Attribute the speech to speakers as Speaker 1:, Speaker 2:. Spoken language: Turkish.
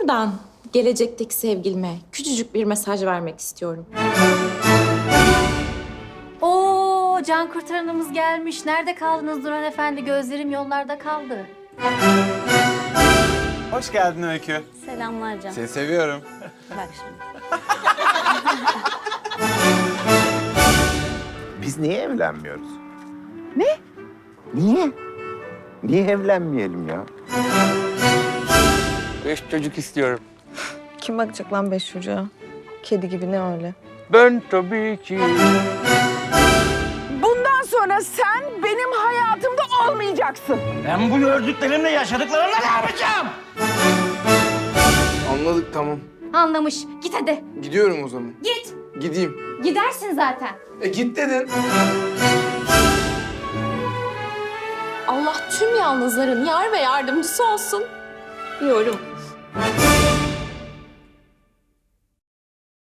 Speaker 1: Buradan gelecekteki sevgilime küçücük bir mesaj vermek istiyorum.
Speaker 2: Oo, can kurtaranımız gelmiş. Nerede kaldınız Duran Efendi? Gözlerim yollarda kaldı.
Speaker 3: Hoş geldin Öykü.
Speaker 2: Selamlar Can.
Speaker 3: Seni seviyorum.
Speaker 2: Bak şimdi.
Speaker 4: Biz niye evlenmiyoruz? Ne? Niye? Niye evlenmeyelim ya?
Speaker 5: 5 çocuk istiyorum.
Speaker 6: Kim bakacak lan 5 çocuğa? Kedi gibi ne öyle?
Speaker 5: Ben tabii ki.
Speaker 7: Bundan sonra sen benim hayatımda olmayacaksın.
Speaker 8: Ben bu gördüklerimle yaşadıklarımla ne yapacağım?
Speaker 9: Anladık, tamam.
Speaker 2: Anlamış. Git hadi.
Speaker 9: Gidiyorum o zaman.
Speaker 2: Git.
Speaker 9: Gideyim.
Speaker 2: Gidersin zaten.
Speaker 9: Git dedin.
Speaker 1: Allah tüm yalnızların yar ve yardımcısı olsun diyorum.